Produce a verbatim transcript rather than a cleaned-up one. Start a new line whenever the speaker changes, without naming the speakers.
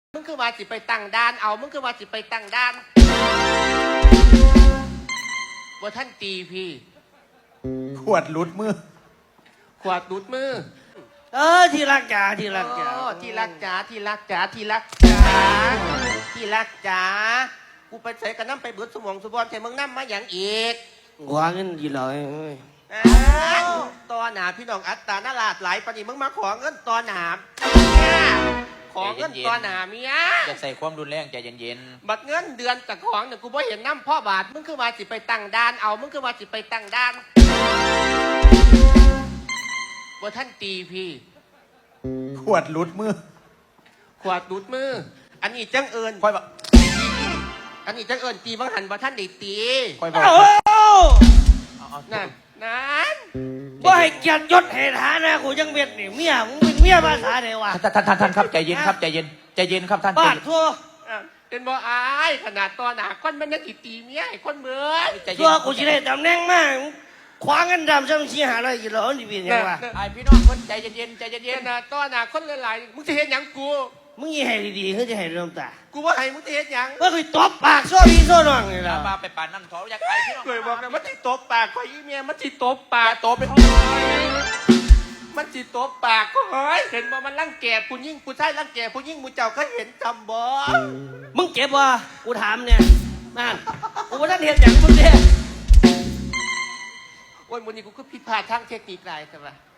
มึงคือว่าสิไปตั้งด่านเอามึงคือว่าสิไปตั้งด่านว่าท่านตีพี่
ขวดหลุดมือ
ขวดดูดมือ
เออที่รักจ๋าที่รักจ๋า
ที่รักจ๋าที่รักจ๋าที่รักจ๋าที่รักจ๋ากูไปใส่กระน้ำไปเบิดสมองสมบัติใส่มึงน้ำมาอย่างอีก
หวานกันยี่เลย
ตอนหนาพี่น้องอัตตาหน้าลาดไหลปนิมึงมาขอเงินตอนหนาขอเงินตอนหนาเมีย
จะใส่ความรุนแรงใจเย็น
ๆบัดเงินเดือนจากของเนี่ยกูบ่เห็นน้ำพ่อบาทมึงคือว่าสิไปตั้งด่านเอามึงคือว่าสิไปตั้งด่านว่าท่านตีพี่
ขวดหลุดมือ
ขวดดูดมืออันนี้จังเอิญ
ค่อยบอก
อันนี้จังเอิญตีบังหันว่าท่านได้ตี
ค่อยบอก
นั่นนั่น
ว่าให้เกียรติยศเหตุฐานะกูยังเบียดนี่เมียมึงเป็นเมียภาษาไหนวะ
ท่านท่านท่านท่านครับใจเย็นครับใจเย็นใจเย็นครับท่าน
บ้านทั่ว
เป็นบ่อายขนาดตอนหนาคนมันยังตีเมียไอ้คนเบื่อ
ตัวกูจะได้ตำแหน่งมากคว้าเงินดำซ้ำชี้หาอะไรกี่ร้อยนี่เป็นไงวะ
ไอพี่น้องคนใจเย็นใจเย็น
นะตอนหนาคนหลายๆมึงจะเห็นยังกู
มึงยี่ให้ดีๆเขาจะให้เริ่มตา
กูว่าให้มึงจะเห็นยัง
เมื่อคุยตบปากโซ่พี่โซ่น้องนี่ละ
มาไปป่านนั่นเขาอยากไปพี่น้อง
เคยบอกนะมันจิตบปากคอยอีเมียมันจิตบปาก
โตไปห้อง
มันจิตบปากก็เฮ้ยเห็นบ่มันรังแกผู้ยิ่งผู้ชายรังแกผู้ยิ่งมูเจ้าเขาเห็นจำบ่
มึงเจ็บวะกูถามเนี่ยนั่นกูว่าท่านเห็นอย่างมึงเนี่ย
โอ้ยวันนี้กูก็ผิดพลาดทางเทคนิคหลายใช่ปะ